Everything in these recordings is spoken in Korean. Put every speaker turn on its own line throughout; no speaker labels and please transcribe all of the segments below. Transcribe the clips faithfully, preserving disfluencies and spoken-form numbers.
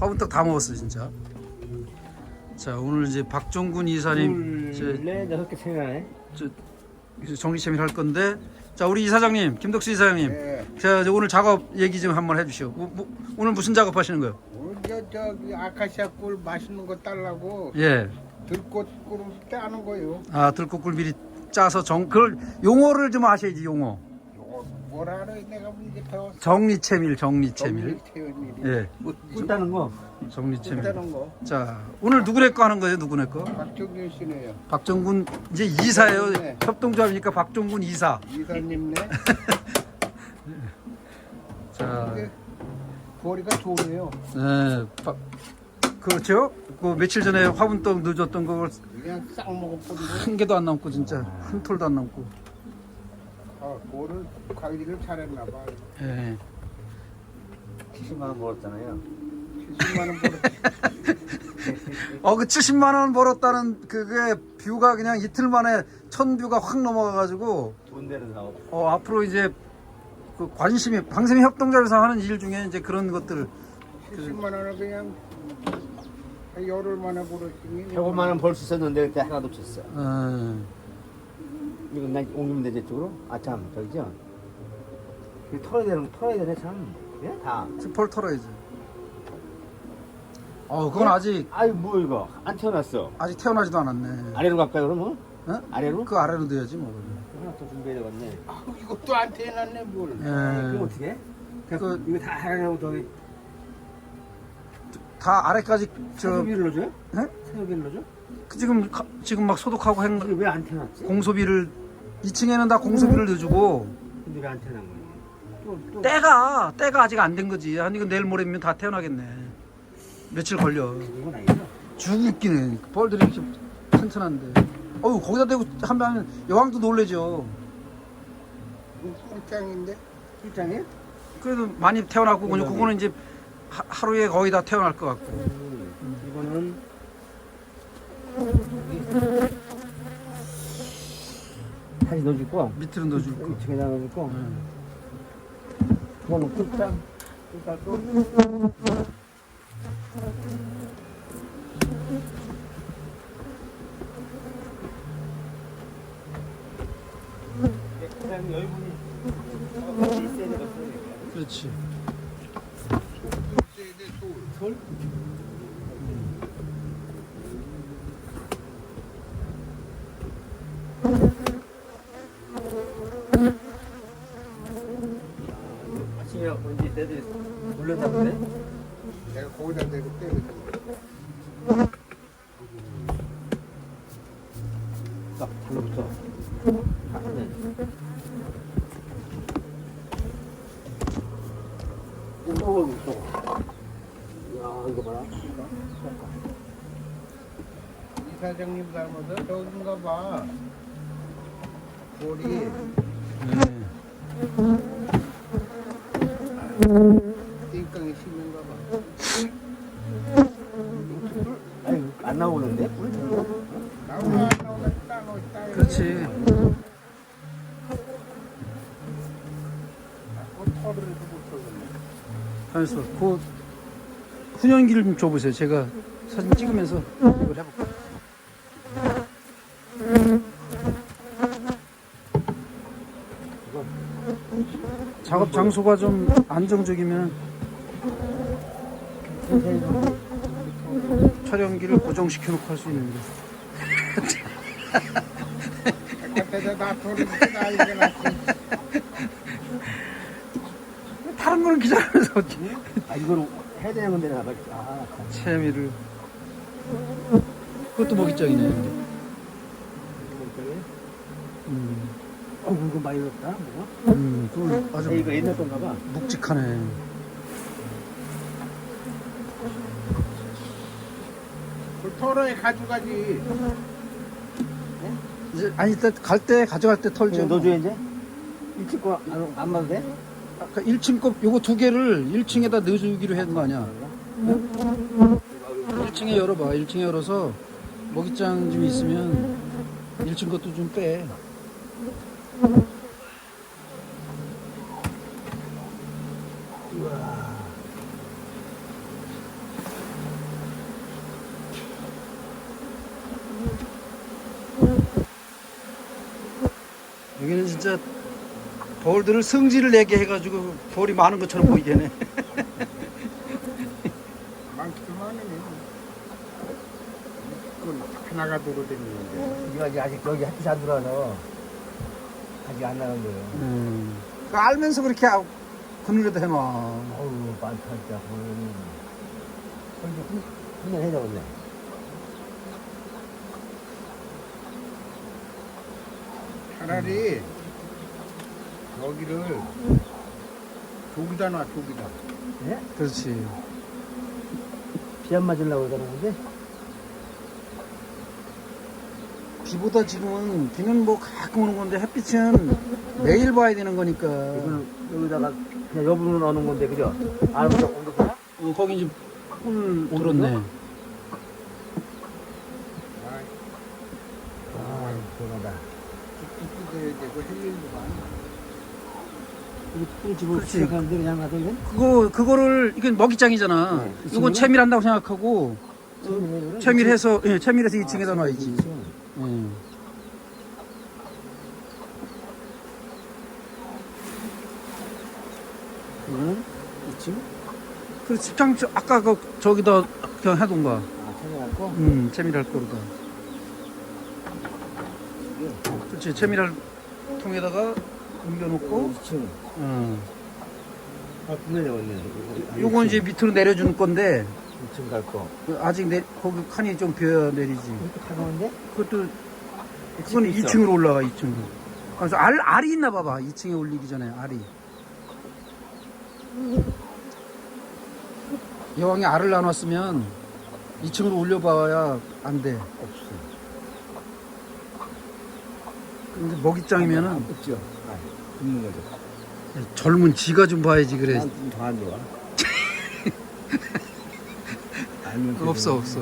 화분떡 다 먹었어 진짜. 자 오늘 이제 박종군 이사님
둘네 여섯 개 생각나네.
저, 저 정리체밀 할 건데, 자 우리 이사장님 김덕수 이사장님,
네.
자 이제 오늘 작업 얘기 좀 한번 해주시오. 뭐, 뭐, 오늘 무슨 작업 하시는 거예요?
오늘 저 저기 아카시아 꿀 맛있는 거 딸라고
예.
들꽃 꿀을 따는 거요.
아 들꽃꿀 미리 짜서 정 그걸 용어를 좀 아셔야지. 용어.
요거 뭐라 그래 내가 이제 배웠어.
정리체밀 정리체밀.
정리체밀.
예.
꿀 따는 거.
정리체밀.
따는 거.
자 오늘 누구네 거 하는 거예요? 누구네 거?
박종균 씨네요.
박종군 이제 이사예요.
네.
협동조합이니까 박종군 이사.
이사님네.
자,
근데 거리가 좋네요.
네, 박, 그렇죠. 그 며칠 전에 화분떡 늦었던 걸
그냥 싹 먹어버리고.
한 개도 안 남고 진짜 한 톨도 안 남고.
아, 그거를 관리를 잘했나 봐.
예.
칠십만 원 벌었잖아요.
칠십만 원 벌었지.
어그 칠십만 원 벌었다는 그게 뷰가 그냥 이틀 만에 천 뷰가 확 넘어가가지고
돈 되는 사업.
어 앞으로 이제 그 관심이 방생이 협동조합에서 하는 일 중에 이제 그런 것들을
칠십만 원을 그냥 한 열흘 만에 벌었으니.
백오만 원 벌 수 있었는데 그때 하나도 없었어.
어,
이거 난 옮기면 되지 쪽으로? 아 참 저기죠. 이거 털어야 되는 털어야 되네 참. 예? 다.
펄 털어야지. 어 그건 아직
아이 뭐 이거 안 태어났어.
아직 태어나지도 않았네.
아래로 갈까요 그러면?
어?
아래로?
그 아래로 넣어야지 뭐.
하나 더 준비해야 되겠네.
아, 이것도 안 태어났네 뭘.
예.
그럼 어떻게 해?
그-
그 이거 다 하려고 저기
다 아래까지 저
사료비를 넣어줘요?
네?
사료비를 넣어줘?
그 지금 가- 지금 막 소독하고 행,
이게 왜 안 태어났지?
공소비를 이 층에는 다 공소비를 넣어주고
근데 왜 안 태어난 거야? 또 또.
때가 때가 아직 안 된 거지. 아니 이거 내일 모레면 다 태어나겠네. 며칠 걸려.
이건 아니죠?
죽겠네. 벌들이 이렇게 튼튼한데. 어유 거기다 대고 하면 여왕도 놀래죠.
꿀짱인데.
출장에?
그래도 많이 태어나고 그냥 그거는 이제 하, 하루에 거의 다 태어날 것 같고.
음, 이거는 다시 넣어줄 거.
밑으로 넣어줄 거.
이쪽에다 넣어줄 거.
응.
그거는 끝장. 끝장 또. 그냥 여유분이 있어야 되거든.
그렇지.
솔? 아침에 언제 애들이 놀랬나 보네?
내가 거기다 대고 때리고.
딱 달라붙어. 네. 오, 이거. 야, 이거 봐라.
이사장님 닮아서 저긴가 봐. 볼이.
네.
띵깡이 심는가 봐.
아니, 안 나오는데?
나오나 나오나 따로 따로.
그렇지.
털을 못 털겠네.
하면서 그 훈연기를 좀 줘보세요. 제가 사진 찍으면서 이걸 해볼게요. 작업 장소가 좀 안정적이면 촬영기를 고정시켜 놓고 할 수 있는데.
바깥에서 나 털을 나 이게 낫지.
다른 거는 기다리면서 어찌
아, 이걸 해야 되는 건데, 나 봐. 아,
채미를. 그것도 먹이장이네. 음,
어, 이거 많이 넣었다, 뭐가?
음, 그거
아,
아주
이거 옛날 건가 봐.
묵직하네.
그 털을 가져가지.
이제 아니 이따 갈 때 가져갈 때 털죠.
이거 넣어줘야 이제? 일찍 거 안, 안 봐도 돼?
아까 일 층 거 요거 두 개를 일 층에다 넣어주기로 했는 거 아니야? 일 층에 열어봐. 일 층에 열어서 먹이장 좀 있으면 일 층 것도 좀 빼. 진짜 벌들을 성질을 내게 해가지고 벌이 많은 것처럼 보이게 해.
많기도 많으네. 그건 하나가 돌아다니는데.
이거 아직, 아직 여기 햇빛 안 들어와서 아직 안 나간 거예요.
음. 그 알면서 그렇게 아- 그늘에다 해놔.
어우, 많다, 진짜. 보면은. 이제 한번 해잡았네.
차라리 여기를 조기다 놔, 조기다.
예?
그렇지.
비 안 맞으려고 그러는 건데?
비보다 지금은 비는 뭐 가끔 오는 건데 햇빛은 매일 봐야 되는 거니까.
이거는 여기다가 그냥 여분으로 넣는 건데, 그죠? 알아서 옮겼구나?
어, 거기 이제 꿀 들었네.
아,
아, 대단하다.
뚝뚝 뜯어야 되고 할 일도 많아.
이거 꿀 집어
그렇지.
시작하는데 그냥 놔둬, 이건?
그거 그거를 이건 먹이장이잖아.
네, 이
이건
친구는?
채밀한다고 생각하고
채밀해,
채밀해서 예, 채밀해서 이 층에다 놔야지. 예.
이거는 이 층?
그 집장 저- 아까 그 저기다 그냥 해둔가.
아, 채밀할 거?
음, 채밀할 거로다. 그렇지, 채밀할 통에다가 옮겨놓고.
이 층.
어.
아, 분명히 왔네.
요건 이제 밑으로 내려주는 건데
이 층 갈 거.
그 아직 내 거기 칸이 좀 비어 내리지.
이렇게 가까운데?
그것도 그건 이 층으로 올라가 이 층으로. 그래서 알 알이 있나 봐봐. 이 층에 올리기 전에 알이. 여왕이 알을 나눴으면 이 층으로 올려봐야 안 돼.
없어.
근데 먹잇장이면은
없죠. 아, 굽는 거죠.
젊은 지가 좀 봐야지 그래.
난더안 좋아. 알면 되죠.
없어 없어.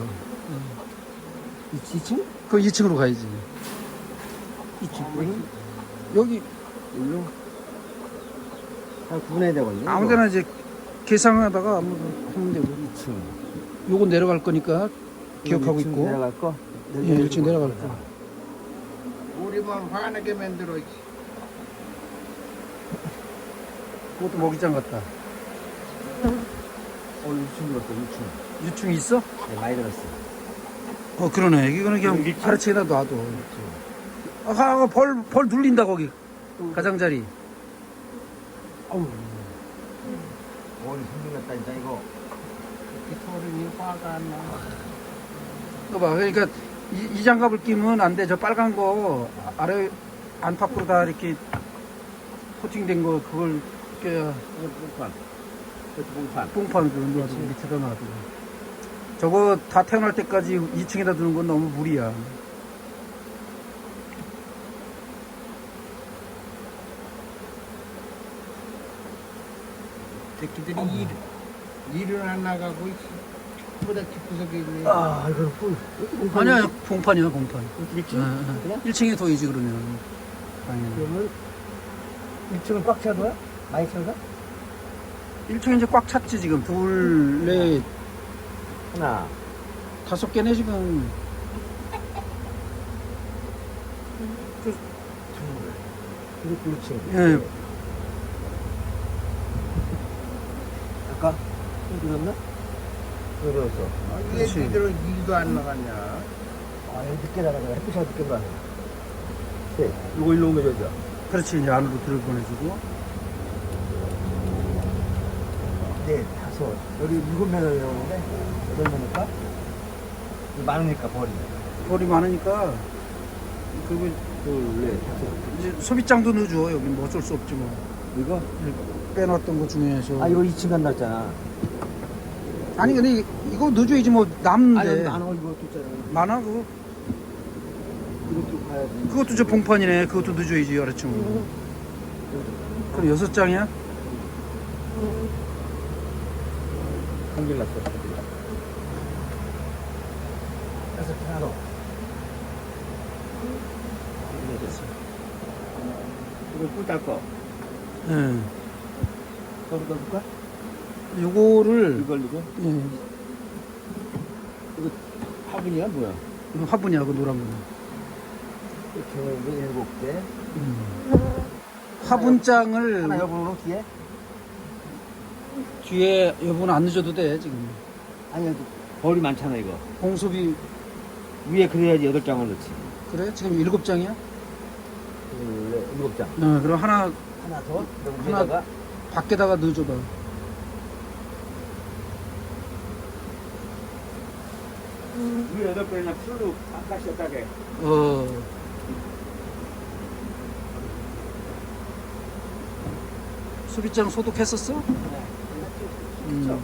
이, 이 층?
그 이 층으로 가야지.
이 층?
여기
일로? 다 구분해야 되거든요.
아무데나 이제 계산하다가 아무 하면 되고.
이 층.
요건 내려갈 거니까 기억하고
이 층
있고.
내려갈 거?
예, 일 층 내려갈 거.
우리만 화나게 만들어.
그것도 먹이장 같다.
어, 이 층 들었어, 이 층.
유충 있어?
네, 많이 들었어.
어 그러네. 이거는 그냥
여기 있지?
아래층에다 놔둬. 아, 벌, 벌 눌린다 거기. 가장자리.
어우. 머리 생겼다니까, 이거.
이렇게 소름이 화가 안 나.
이거 봐. 그러니까 이, 이 장갑을 끼면 안 돼. 저 빨간 거 아래 안팎으로 다 이렇게 코팅된 거 그걸 껴야
이거 뽕판. 이것도 뽕판.
뽕판 그거 놔두고 밑에다 놔두고. 저거 다 태어날 때까지 이 층에다 두는 건 너무 무리야.
새끼들이 일, 일을 안 나가고 보다 깊어서 있네.
아, 이거 꿀.
아니야, 봉판이야, 봉판.
일 층? 그냥?
일 층에 더이지 그러면. 당연히.
그러면 일 층은 꽉 차도요? 많이 차가?
일 층에 이제 꽉 찼지 지금. 둘, 넷,
하나.
다섯 개네 지금.
이것도 일 층.
예.
아까 좀 들었나? 왜 들었어?
아,
그렇지.
얘들은 일도 안 나갔냐.
아, 여기 늦게 나가잖아. 햇빛이 늦게 나가. 네, 이거 일로 옮겨줘야죠.
그렇지, 이제 안으로 들어 보내주고.
네, 다섯. 여기 일곱 명을 나오는데, 여덟 명일까? 많으니까 버리.
벌이 많으니까. 그리고
둘, 넷, 다섯.
이제 소비장도 넣어줘. 여기 뭐 어쩔 수 없지 뭐.
이거?
빼놨던 거 중에서.
아, 이거 이 층 간다 했잖아.
아니, 근데 이- 이거 넣어줘야지 뭐 남는데.
안 와, 이거 있잖아.
많아, 그거.
이것도 가야지.
그것도 저 봉판이네. 그것도 넣어줘야지, 여러층. 그럼 여섯 장이야?
한길 났어. 다섯 개 하나 더. 이거 됐어. 이거 꿀딸 거.
예.
거기 넣어줄까?
요거를,
이걸 이거?
예.
화분이야 뭐야?
이거 화분이야, 그 노란 거.
이렇게 해서 일곱 개.
음. 화분장을
하나 여분으로 뒤에?
뒤에 여보는 안 늦어도 돼 지금.
아니, 벌이 많잖아, 이거.
공수비
위에 그래야지 여덟 장을 넣지.
그래? 지금 일곱 장이야?
둘, 일곱 장.
어, 그럼 하나
하나 더? 그럼
하나-
위에다가
밖에다가 넣어줘봐.
위에 여덟 개나 풀로 아까시 따게.
어. 수비장 소독했었어? 음.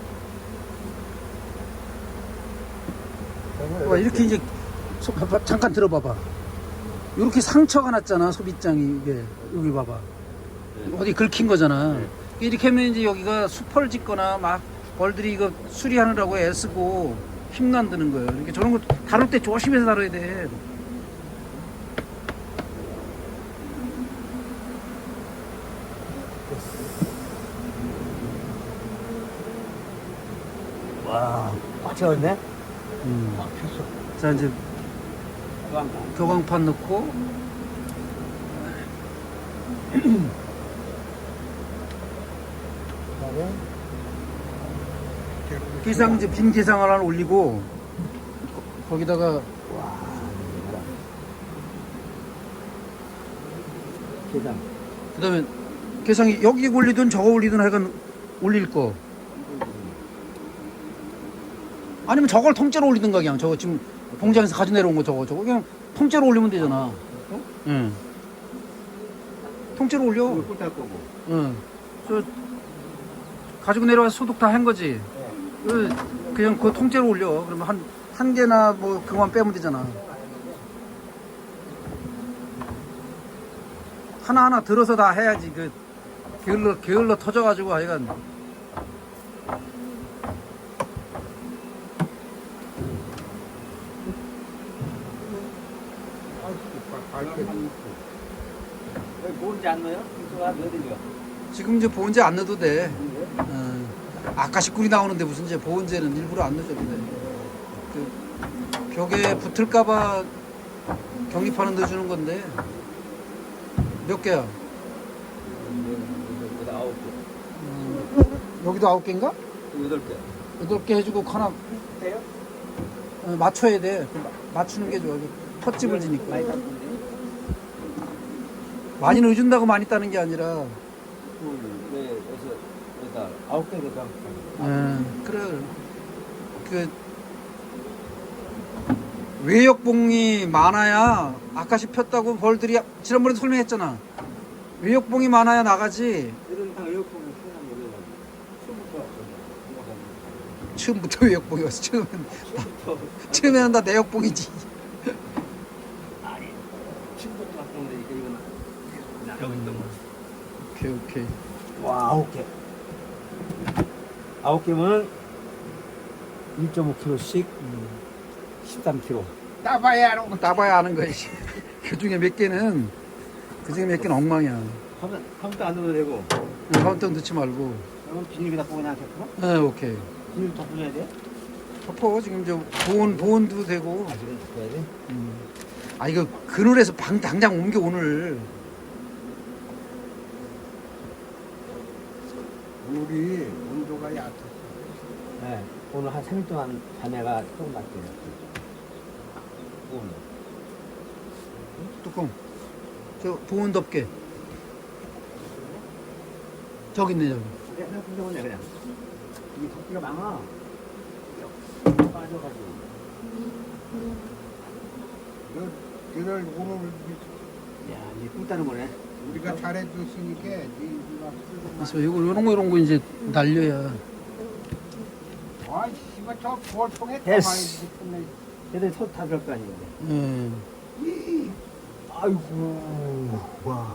봐, 이렇게 이제 소- 봐봐, 잠깐 들어봐봐. 이렇게 상처가 났잖아 소비장이 이게 여기 봐봐. 어디 긁힌 거잖아. 이렇게 하면 이제 여기가 수펄 짓거나 막 벌들이 이거 수리하느라고 애쓰고 힘도 안 드는 거예요. 이렇게 저런 거 다룰 때 조심해서 다뤄야 돼.
와, 꽉 채웠네?
음.
꽉 폈어.
자 이제
도망가.
교광판 넣고
그다음에
기상 이제 빈 기상을 하나 올리고 거- 거기다가
와, 이거라. 계단.
그다음에 기상이 여기 올리든 저거 올리든 하여간 올릴 거. 아니면 저걸 통째로 올리든가 그냥 저거 지금 공장에서 가져 내려온 거 저거 저거 그냥 통째로 올리면 되잖아. 응. 통째로 올려.
이거 꿀딸 거고.
응. 저 가지고 내려와서 소독 다 한 거지.
네.
그 그냥 그 통째로 올려. 그러면 한 한 개나 뭐 그거만 빼면 되잖아. 하나 하나 들어서 다 해야지. 그 게을러 게을러 터져가지고 하여간.
왜 뭔지 안 넣어요? 이거 안 넣어드려.
지금 이제 보온제 안 넣어도 돼. 어. 아까시 꿀이 나오는데 무슨 이제 보온제는 일부러 안 넣어줘도 돼. 그 벽에 붙을까봐 경립하는 넣어주는 건데 몇 개야?
여기다 아홉 개.
음, 여기도 아홉 개인가?
여덟 개.
여덟 개 해주고 하나
돼요?
어, 맞춰야 돼. 그 마- 맞추는 게 좋아. 헛집을 지니까.
많이 땄는데?
많이 넣어준다고 많이 따는 게 아니라.
둘, 넷, 여섯, 여덟, 아홉 개 되다.
음, 그래. 그 외역봉이 많아야 아까시 폈다고 벌들이 지난번에 설명했잖아. 외역봉이 많아야 나가지.
이런 다 에어컨을 쓰는 거예요. 처음부터
처음부터 외역봉이 왔어. 처음엔
처음부터
처음에는 다 내역봉이지.
아니 처음부터 왔던 거니까 이거는 나가고 있던 거.
오케이 오케이.
와 아홉 개. 아홉 개면 일 점 오 킬로그램씩 십삼 킬로그램.
따봐야 하는 거.
따봐야 아는 거지. 그 중에 몇 개는 그 중에 몇 개는 엉망이야.
하면 하면도 안 넣어도 되고.
가운데 넣지 말고.
그러면 비닐에다 꽂고 그냥 덮어?
네 오케이.
비닐 덮어줘야 돼?
덮어 지금 저 보온 보온도 되고.
아 지금 덮어야 돼?
음. 아 이거 그늘에서 방 당장 옮겨 오늘.
물이 온도가 얕아.
네. 오늘 한 삼 일 동안 자네가 조금 낮대요. 오늘.
뚜껑. 저 보온 덮개. 저기 있네 저기.
그냥 그냥 그냥 그냥. 이게 덮개가 많아. 빠져가지고.
너를 오늘
야, 이제 꿀 따는 거네.
우리가 잘해줬으니까 네 누가
그래서 이거 이런 거 이런 거 이제 날려야.
아, 씨발 저 볼통에
됐어.
가만히 있네.
얘들 손다 들을 거 아니에요.
예.
아이고. 와.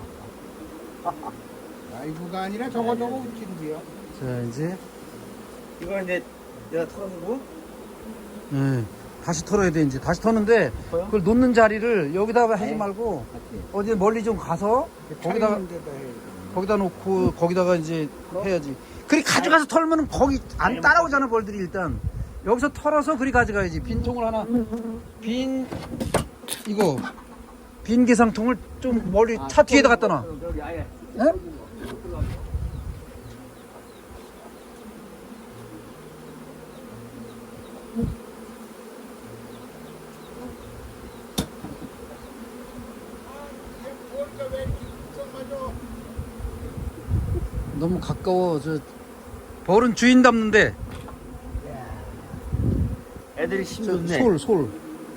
아이고가 아니라 저거 저거 웃긴데요.
자 이제
이거 이제 내가 털어주고.
예. 다시 털어야 돼 이제 다시 터는데
털어요?
그걸 놓는 자리를 여기다가 하지
네.
말고
같이.
어디 멀리 좀 가서 거기다가
차 있는 데다 해.
거기다 놓고 거기다가 이제 해야지. 그리 가져가서 털면 거기 안 따라오잖아 벌들이 일단. 여기서 털어서 그리 가져가야지. 빈 통을 하나 빈 이거 빈 계상통을 좀 멀리 차 뒤에다 갖다 놔.
여기 아예.
예?
뭘까 왜 이렇게 걱정하죠?
너무 가까워. 저 벌은 주인 닮는데.
애들이
저
힘좋네.
솔, 솔.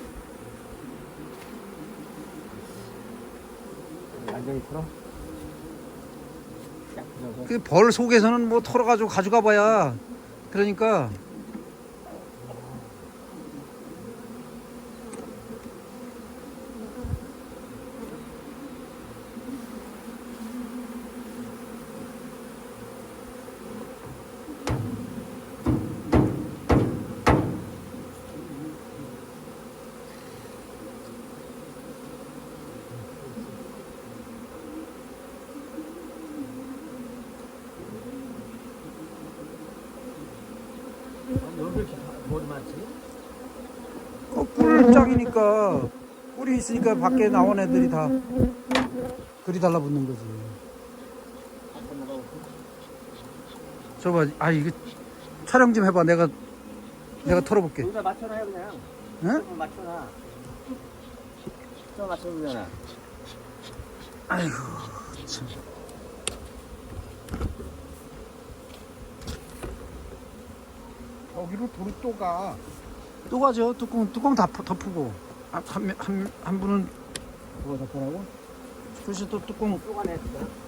완전히 풀어. 쫙 풀어서.
그 벌 속에서는 뭐 털어가지고 가져가 봐야. 그러니까.
여기 이렇게 머리 많지?
어, 꿀짝이니까 꿀이 있으니까 밖에 나온 애들이 다 그리 달라붙는 거지. 저봐, 아 이거 촬영 좀 해봐. 내가 내가 털어볼게.
여기다 맞춰놔요 그냥.
응?
조금 맞춰놔. 좀 맞춰주잖아.
아이고 참.
저기로 돌이 또 가.
또 가죠. 뚜껑 뚜껑 다 덮- 덮고 한한 한, 한 분은
그거 덮어라고?
글쎄 또 뚜껑
쪼가냈어.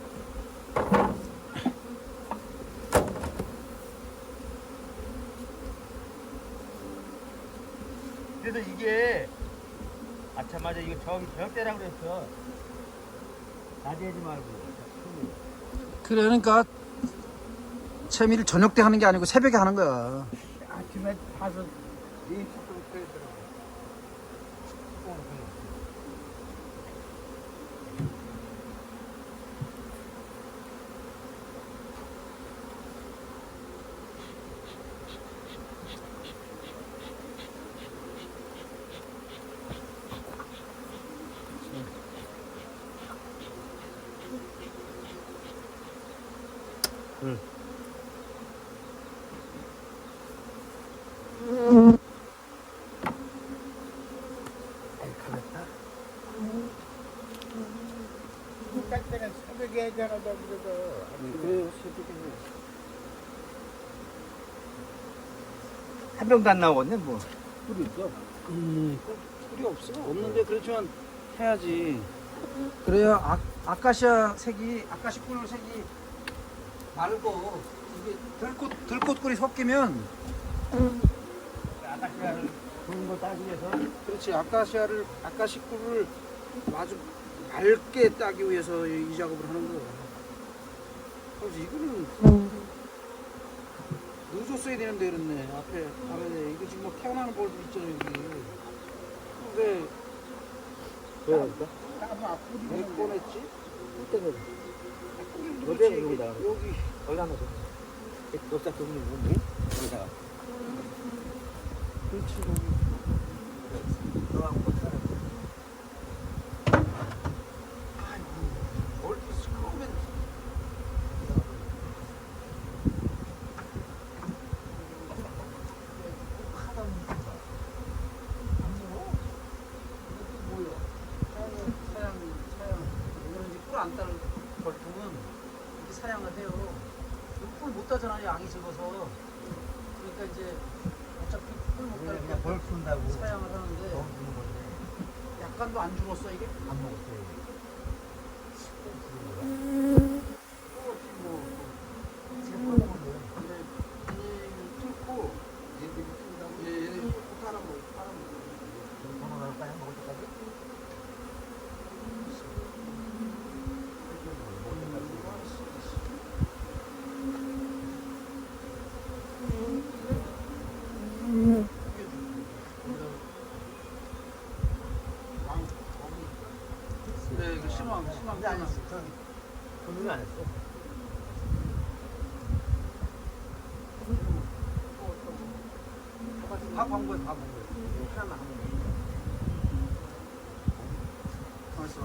그래서 이게 아참 맞아 이거 저기 저녁 때라 그랬어. 낮에 하지 말고.
그래. 그러니까 채미를 저녁 때 하는 게 아니고 새벽에 하는 거야.
아침에 가서 이 식구를 빼더라고.
응. 아이 가볍다.
딱 때는 새벽에 하잖아 저기서.
그래요 한 병도 안 나오겠네 뭐. 꿀이 있어.
음, 꿀이 없어. 없는데 그렇지만 해야지. 그래야 아, 아카시아 색이 아카시 꿀 색이 맑고 이게 들꽃 들꽃꿀이 섞이면
아카시아를 좋은 거 따기 위해서.
그렇지. 아카시아를 아카시 꿀을 아주 맑게 따기 위해서 이, 이 작업을 하는 거야. 그래서 이거는 늦었어야 되는데 이랬네. 앞에 앞에 이거 지금 뭐 태어나는 벌도 있잖아 여기. 근데
왜 그럴까?
나무 앞구리
왜 꺼냈지?
때문에.
그렇지,
어디에
여기,
여기다가.
여기
여기다 넣어. 여기다 두고 있는 거 여기다가.
그렇지 여기.
들어가고 따라.
뭘 시끄러우면 사양 사양 이거는 이제 꿀 안 따는 벌통은 이렇게 사양을 해요. 꿀 못 따잖아 양이 적어서. 그러니까 이제 어차피 꿀 못
그냥
따니까
벌 푼다고.
사양을 하는데
너무 주는 건데.
약간도 안 죽었어 이게?
안 먹었어요.
뭐 근데 이 뚫고 얘들이 뚫다고 얘 팔아 먹 팔아 먹.
전화 나올까요? 먹을 때까지?
그래 이거 신왕 신왕
근데 안 했어. 손님이 안 했어.
다본 거야 다본 거야.
하나만 하면 돼.
가만있어.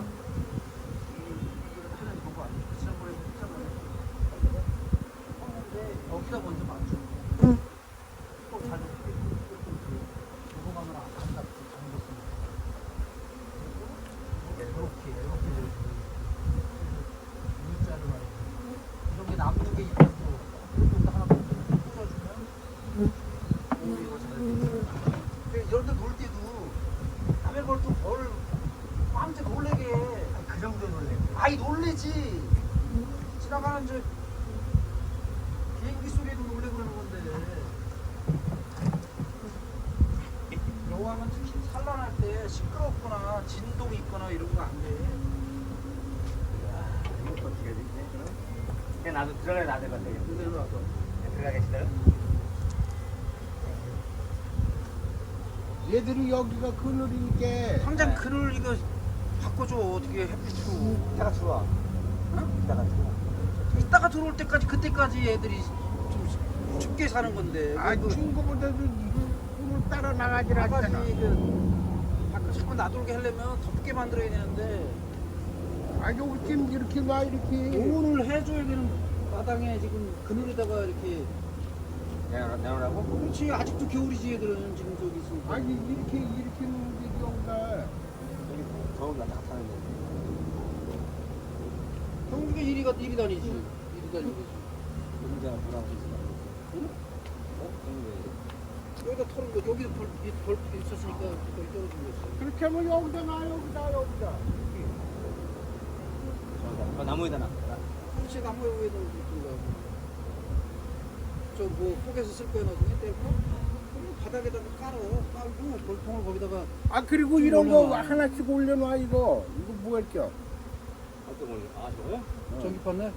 여기다 먼저 맞춰. 또잘 넘어가면 안 간다. 이렇게 이렇게 U자를 말이야. 이런 게 남는 게 있다고 이것도 하나 꽂아주면 이거 잘 돼. 이런 데 놀 때도 남의 벌도 벌 깜짝 놀래게 해.
그 정도 놀래.
아이 놀래지. 지나가는 저 비행기 소리에도 놀래 그러는 건데. 여왕은 특히 산란할 때 시끄럽거나 진동이 있거나 이런 거 안 돼.
이거 어떻게 해야 되지? 그럼? 그냥 나도 들어가야 나될 것 같아.
그대로 와서.
들어가겠어요?
얘들이 여기가 그늘이니까
당장 그늘 이거 바꿔줘. 어떻게 햇빛으로.
이따가 들어와.
응?
이따가 들어와.
이따가 들어올 때까지 그때까지 애들이 좀 춥게 사는 건데.
아
그
친구보다도 꿀을 따라 나가질
나가지
않잖아.
그 밖에 자꾸 놔돌게 하려면 덥게 만들어야 되는데
아 여기 지금 이렇게 놔 이렇게.
오늘 해줘야 되는 마당에 지금 그늘에다가 이렇게.
내가 내놓으라고?
그렇지. 아직도 겨울이지 얘들은 지금 저기 있으니까.
아니 이렇게 이렇게 놓는 게 여기가.
여기 더운 날다 타는데.
경주가 이리가 이리 다니지. 이리 다니지.
여기가 뭐라고 했어?
응?
어? 여기
여기다 털은 거 여기도 벌, 벌 있었으니까 거기 떨어진 거였어.
그렇게 하면 여기다 놔 여기다 여기다.
저기다. 어, 나무에다 놔.
그렇지. 나무 위에다 놓든가. 저뭐 속에서 쓸 거야 나중에 떼고. 그럼 바닥에다가 깔어. 깔고 벌통을 거기다가.
아 그리고
좀
이런 거
올려놔.
하나씩 올려놔 이거. 이거 뭐 할게요?
어떤 걸? 아 저거요?
전기 판네.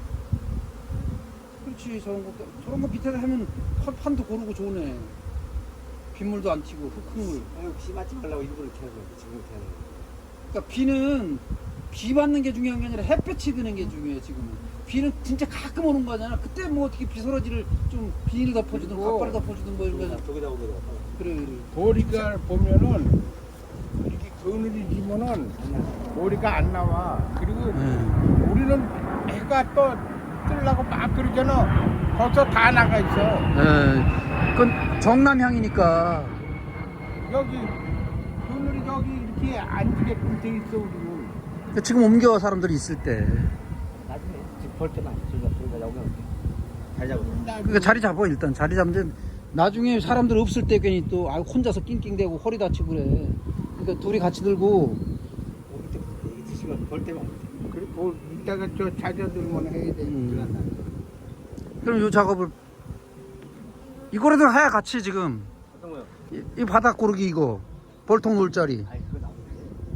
그렇지. 저런 거 저런 거 밑에다 하면 판- 판도 고르고 좋네. 빗물도 안 튀고 흙흙물.
아유 비 맞지 말라고 일부러 이렇게 하는 거야. 지금 이렇게 하는 거야.
그러니까 비는 비 맞는 게 중요한 게 아니라 햇볕이 드는 게 중요해 지금은. 비는 진짜 가끔 오는 거잖아. 그때 뭐 어떻게 비서러지를 좀 비닐 덮어주든
그리고
갓바를 덮어주든 뭐 이런 거.
저기다 저기다 오게 돼.
그래 그래.
보리가 보면은 이렇게 그늘이 지면은 보리가 안 나와. 그리고
네.
우리는 해가 또 뜨려고 막 그러잖아. 벌써 다 나가 있어.
네. 그건 정남향이니까.
여기 그늘이 여기 이렇게 앉게끔 돼 있어 우리는.
지금 옮겨 사람들이 있을 때.
나중에 집 벌 때만 저기다 저기다 나오면 잘 잡아.
그러니까 자리 잡아 일단 자리 잡는데 나중에 사람들 없을 때 괜히 또 아, 혼자서 낑낑대고 허리 다치고 그래. 그러니까 둘이 같이 들고.
오기 때 이게 드시면 벌 때만.
그리고 이따가 저 자녀들만 해야 돼.
음. 그럼 요 작업을 이거라도 해야 같이 지금
어떤 거요?
이, 이 바닥 고르기 이거 벌통 놓을 자리.
아이 그거 나오는데.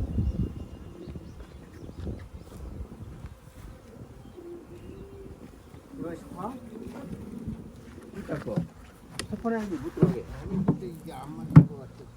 이거 싶어?
이따 거.
스폰에 못 들어가게.
근데 이게 안 맞는 것 같아.